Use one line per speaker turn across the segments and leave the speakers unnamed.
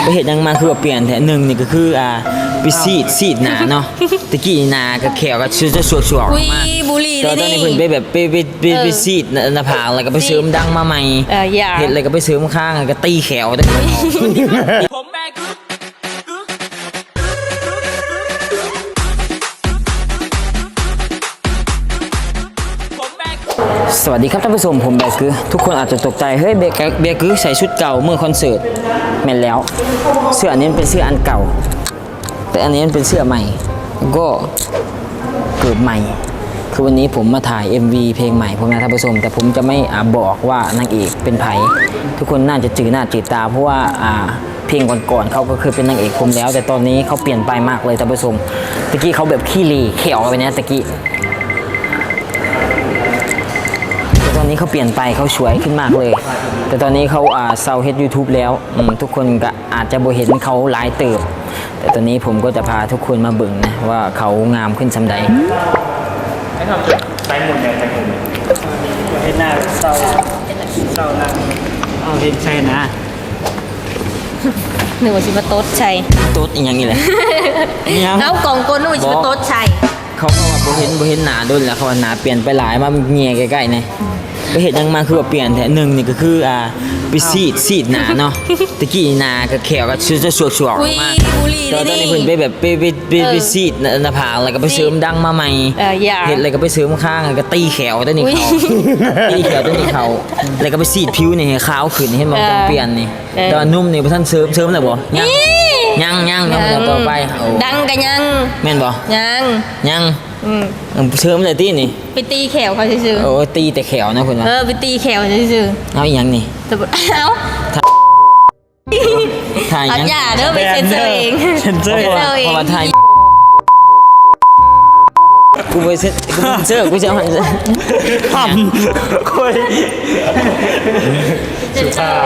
ไปเห็นยังมาคือว่าเปลี่ยนแท้หนึ่งนี่ก็คือไปซีดหนาเนาะตะกี้หนากับแขวก็จะสวดออกมา
บุหรี่
ตอนนี้เพิ่นไปแบบไปซีดหน้าผากแล้วก็ไปเสริมดังมาใหม่เห็ดอะไรก็ไปเสริมข้างก็ตีแขวตะกี้สวัสดีครับท่านผู้ชมผมแบกคือทุกคนอาจจะตกใจเฮ้ยแบกคือใส่ชุดเก่าเมื่อคอนเสิร์ตแม่นแล้วเสื้ออันนี้เป็นเสื้ออันเก่าแต่อันนี้เป็นเสื้อใหม่ก็เกิดใหม่คือวันนี้ผมมาถ่าย MV เพลงใหม่ผมนะท่านผู้ชมแต่ผมจะไม่บอกว่านางเอกเป็นไผทุกคนน่าจะจืดหน้าจืดตาเพราะว่าเพลงก่อนๆเขาก็เคยเป็นนางเอกผมแล้วแต่ตอนนี้เขาเปลี่ยนไปมากเลยท่านผู้ชมตะกี้เขาแบบขี้เหร่เขียวไปเนี่ยตะกี้ตอนนี้เขาเปลี่ยนไปเขาสวยขึ้นมากเลยแต่ตอนนี้เขาเซาเฮ็ด YouTube แล้วทุกคนก็อาจจะบ่เห็นเขาหลายเติบแต่ตอนนี้ผมก็จะพาทุกคนมาเบิ่งนะว่าเขางามขึ้นสำใด
ให้ทำใส่หมุนเนี่ยใส่หมุนให้หน้าเศร้านั่งเอาเห็นใช่นะ
หนึ่งว่าชิบะโต๊ดชัย
โต๊ดอย่างนี้แหละ
แล้วกล่องก้นหนึ่งว่าชิบะโต๊ดชัย
เขาว่าบ่เห็นหนาดุนแล้วเขาว่าหนาเปลี่ยนไปหลายมาเงียใกล้ๆเนี่ยไปเห็นยังมาคือว่าเปลี่ยนแท้หนึ่งนี่ก็คือไปซีดหนาเนาะตะกี้หนากับแขวก็จะสวดออกมาตอนนี้เพิ่นไปแบบไปซีดหน้าผากแล้วก็ไปเสริมดังมาใหม่เห็ดอะไรก็ไปเสริมข้างก็ตีแขวตัวนี้เขาตีแขวตัวนี้เขาแล้วก็ไปซีดผิวนี่ให้ขาวขึ้นเห็นบ่ต้องเปลี่ยนนี่ตอนนุ่มนี่บ่ทันเสริมแล้วบ่ยังต่อไป
ดังกันยัง
แม่นบ่ยังเสริมเลยตีนี่
ไปตีแขวเขาซื่อ
โอ้ตีแต่แขวนะคุณว่า
ไปตีแขวซื่อ
เอาอีหยังนี่
เอาถ่ายยังอย่าเด้อไปเซ็นเซอร์เอง
เพราะว่าถ่ายกูไปเซ็นเซอร์กูจะหัน
ทำคุยสุภาพ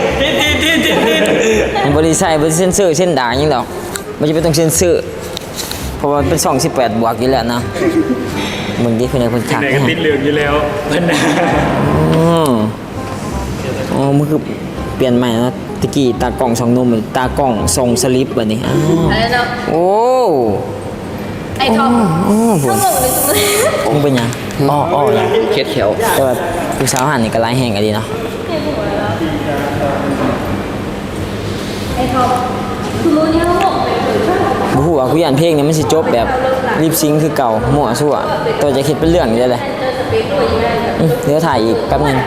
บริษัทบริเซ็นเซอร์เส้นด่างยังดอกมันจะไม่ต้องเซ็นเซอร์เพราะว่าเป็น18 บวกอยู่แล้วนะมึงดิคนไหนคนขับ
ไหนก็ติดเหลืองอยู่แล้ว
อ๋อมันคือเปลี่ยนใหม่นะตะกี้ตากล่อง2 นมตากล่องทรงสลิปแบบนี้โอ้
ไอ้ทอมทั้งหมดเลย
มึงเป็นยังอ้อยังเคล็ดเขียวแต่ว่าผู้สาวหันนี่ก็ไล่แห้งกันดีเนาะ
ไอ้ทอมคือรู้เนี่ยหมด
บูฮู้ว่าคุยอันเพลงนี้มันสิจบแบบรีบซิงคือเก่ามั่วซั่วตัวจะคิดเป็นเรื่องอยู่เลยเดี๋ยวถ่ายอีกแป๊บนึง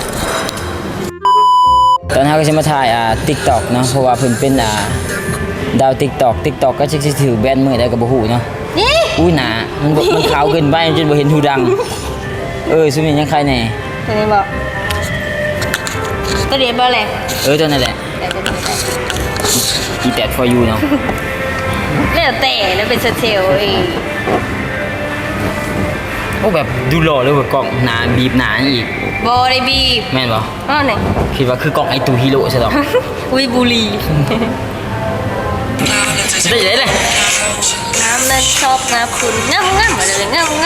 ตอนนี้ก็จะมาถ่ายTikTok เนาะเพราะว่าเพิ่นเป็นดาว TikTok ก็จะถือแบนมือได้กับบูฮู้เนาะอุ้ยหนามันขาวเกินไปจนบ่เห็นหูดังซุนี่ยังใครแน่
ตัวนี้บอกตัวเดียวบ่แหละ
ตัวนั่นแหละอีแตด for you เนาะ
แล้วเป็นสเตล
โอ้แบบดูหล่อเลยว่ากล่องหนาบีบหนาอีก
บอได้บีบ
แม่นบ่
ไหน
คิดว่าคือกล่องไอตูฮีโร่ใช่หรอ
อุ้ยบุรี
ได้เลย
น้ำนั้นชอบน้ำคุณง่ำอะไรง่ำ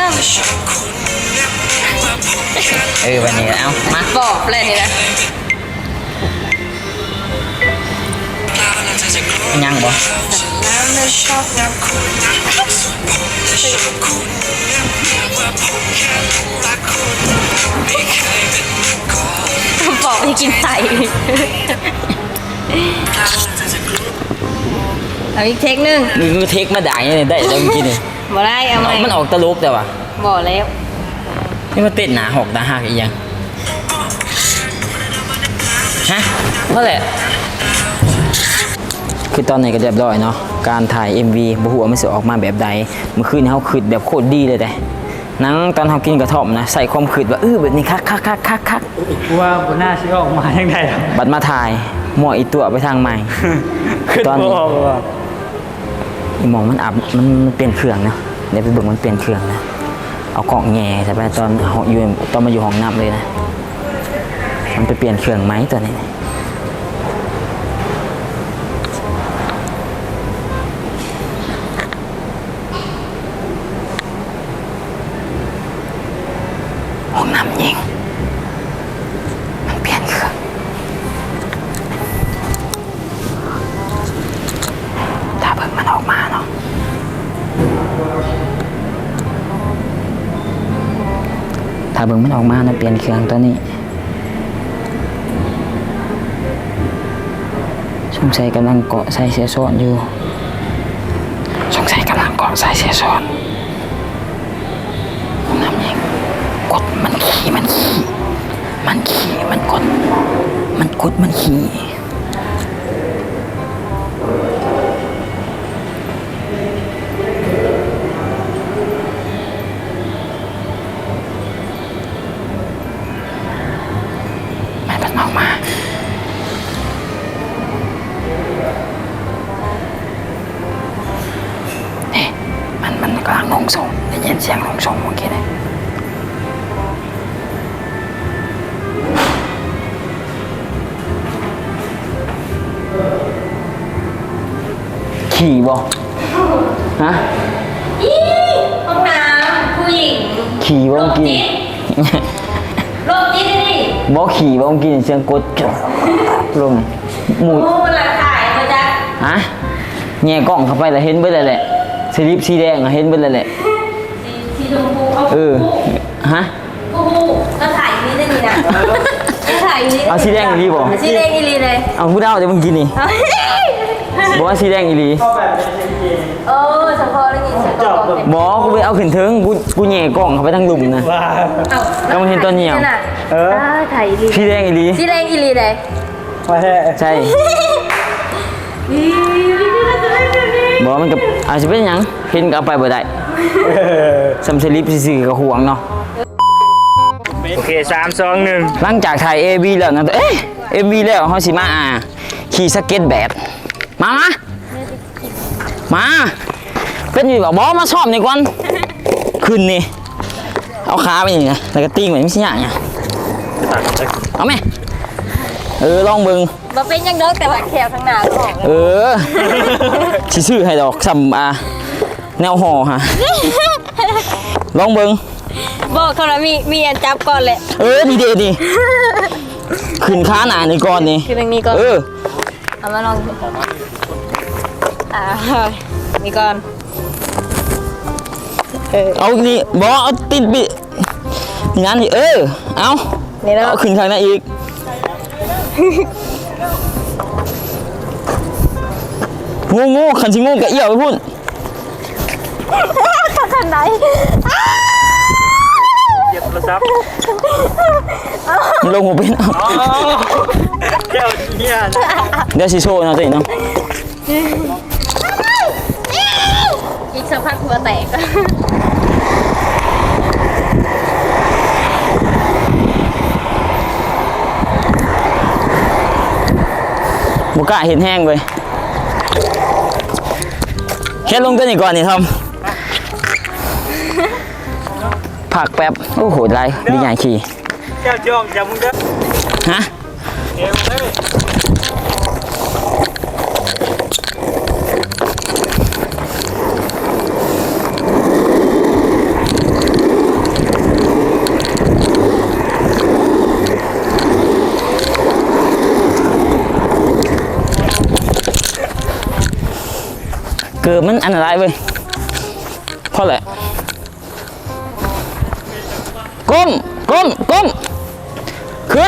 วันนี้เอามา
บอกเลยนี่นะ
ยังบ่
น้ำนั้นชอบน้ำคุณบอกให้กินไก่เอาอีกเทคนึง
มึงเทคมาด่าอย่างนี้ได้แล้วเมื่อกี้นี่
บ่ได้เอาไหม
มันออกตลกแต่ว่า
บ่แล้ว
นี่มาเต้นหนาหอกหนาหักอีกยังฮะเพราะแหละคือตอนไหนก็เรียบร้อยเนาะการถ่าย MV บ่ฮู้ว่ามันสิออกมาแบบใดเมื่อคืนนี้เฮาคิดแบบโคตรดีเลยแต่นังตอนเฮากินกระท่อมนะใส่ความคิดว่าแบบนี้คัก
ว่าบนหน้าสิออกมาจังได๋
บัดมาถ่ายมั่วอีตัวไปทางใหม่ตอนนี้มองมันอับมันเปลี่ยนเครื่องนะเดี๋ยวไปเบิ่งมันเปลี่ยนเครื่องนะเอากล่องแง่ใช่ป่ะตอนมาอยู่ห้องน้ำเลยนะมันไปเปลี่ยนเครื่องไหมตัวนี้ห้องน้ำยิงมันเปลี่ยนเครื่องเบิ่งมันออกมานะเปลี่ยนเครื่องตัวนี้สงสัยกำลังเกาะใส่เสียซ้อนอยู่สงสัยกำลังเกาะใส่เสียซ้อนน้ำยังกดมันขี่มันกดมันขี่มันออกมานี่มันกำลังลงส่งได้ยินเสียงลงส่งเมื่อกี้เลยขี่บ่ฮะ
อีห้องน้ำผู้หญิง
ขี่บ่เมื่อกี้
โรคจิตดิ
บ่ขี่บ่เมื่อกี้เสียงกดลงหมู
โอ้หลักถ่ายมาจาก
ฮะแง่กล้องเข้าไปแล้วเห็นเบิดเลยแหละสลิปสีแดงอะเห็นเบิดเลยแหละ
สีชมพูเอา
เออฮะ
ผู้ก็ถ่ายอย่างนี้ได้ดีนะถ่ายอย่างนี้
เอาสีแดงอีหลีบ่
สีแดงอีหลีเลย
เอาพูดเอาเดี๋ยวมึงกินนี่บอกว่าสีแดงอีหลี
ชอบแบบนี้
เออเฉพาะแล้วนี่เฉพาะก่อน
บอกกูไปเอาขึ้นถึงกูแง่กล้องเข้าไปทั้งหลุมนะ
ว้า
เอา
ก็มันเห็นตัวเหนียว
เออ
ถ่ายอีหลี
สีแดงอีหลี
สีแดงอีหลีเลย
มาแท้
ใช่บอกมันกับอาจจะเป็นหยังเห็นก็เอาไปบ่ได้ซัมสลิปซื่อๆก็ห่วงเนาะ
โอเค3 2 1
หลังจากถ่าย AV แล้วนะเอ๊ะ MV แล้วเฮาสิมาขี่สเก็ตแบดมาเป็นอยู่บ่มาซ้อมนี่ก่อนขึ้นนี่เอาขาไปนี่นะแล้วก็ติ้งไว้ไม่ใช่หยังอ่ะเอาไหมลองเบิ่ง
มาเป็นยังเด้อแต่ว่าแขวทางหน้าก็ออกเลย
สิซื้อให้ดอกซ้ำแนวห่อฮะลองเบิ่ง
บอกเขาแล้วมีอันจับก่อนแหละ
ดีเดดีขึ้นขาหนานี่ก่อนนี่
คือตรงนี้ก่อนเอามาลองนี่ก่อน
เอานี่บอเอาติดบินี่นั่นนี่เอา
นี่แล้ว
เอาขึ้นข้างหน้าอีกงูขันชิงูกะเอี่ยวไปพุ่น
ขันไหน
เก็บโทรศัพท์
มันลงหัวเป็นเอา
เจ้าเนี่ย
เดี๋ยวสิโชว์เนาะตัวเองเนาะ
อีกสักพักหัวแตก
บุกะเห็นแห้งเลยแค่ลงตัวนี้ก่อนนี่ทอมผักแป๊บโอ้โหไรดีใหญ่ขี่
เจ้าจ้องอย่ามึงเด้อ
ฮะ
เอวเลย
เกิดมันอันตรายเว้ยเพราะอะไรก้มขึ้น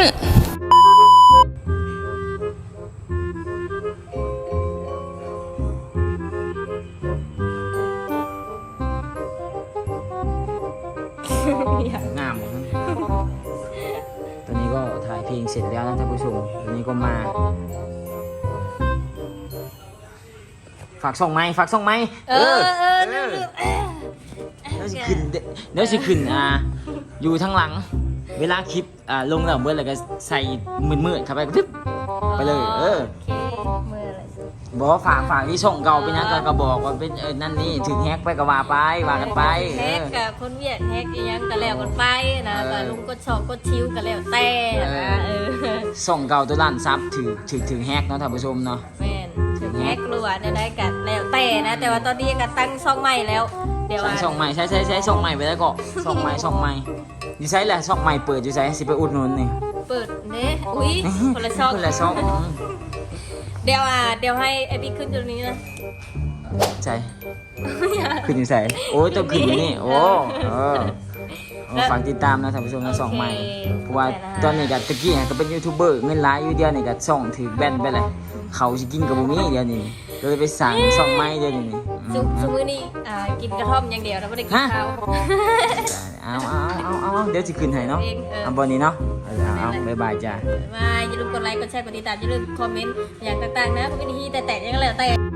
งามตอนนี้ก็ถ่ายเพลงเสร็จแล้วนะท่านผู้ชมตอนนี้ก็มาฝากส่งไหมเดี๋ยวสิขึ้นอยู่ทั้งหลังเวลาคลิปลงแล้วเมื่อไรก็ใส่มืดๆเข้าไปก็ทึบไปเลย
โอเคมืออะไร
บอกว่าฝากที่ส่งเก่าไปนะก็บอกว่าเป็นนั่นนี่ถึงแฮกไปก็ว่ากันไป
แฮกกับคนเวียดแฮกอีหยังก็แล้วกันไปนะก็ลุงก็ชอบก็ชิวก็แล้วแต่นะ
ส่งเก่าตัวล้านซับถึงแฮกเนาะท่านผู้ชมเนาะ
แม่นถึงแฮกรัวได้กันแล้วแต่นะแต่ว่าตอนนี้ก็ตั้งช่องใหม่แล้วเดี๋ยว
ส่งใหม่ใช้ส่งใหม่ไปแล้วก็ส่งใหม่ดีไซน์แหละช่องใหม่เปิดดีไซน์สิไปอุดหนุนนี่
เปิดเด้อุ้ยคนละช่อง เดี๋ยวให้ไอพี่ขึ้นตรงนี้นะ
ใช่ขึ้นอยู่ใส่โอ้ยต้องขึ้นอยู่นี่โอ้ฝากติดตามนะท่านผู้ชมทั้งสองใหม่
โอเค
เพราะว่าตอนนี้ก็ตะกี้ก็เป็นยูทูบเบอร์เงินหลายอยู่เดียวนี่ก็ช่องถือแบนไปเลยเขาสิกินกับบ่มีเดียวนี่ก็เลยไปสั่งช่องใหม่เดียวนี่
ซุมื้อนี้กินกระท่อมอย่างเดียวแล้วไม่ได้กินข้าว
เอาเดี๋ยวสิขึ้นให้เนาะเอาบ่นี้เนาะเอาบ๊ายบายจ้า
มาอย่าลืมกดไลค์กดแชร์กดติดตามอย่าลืมคอมเมนต์อย่างต่างๆนะก็เป็นที่แต่ยังไงแล้วแต่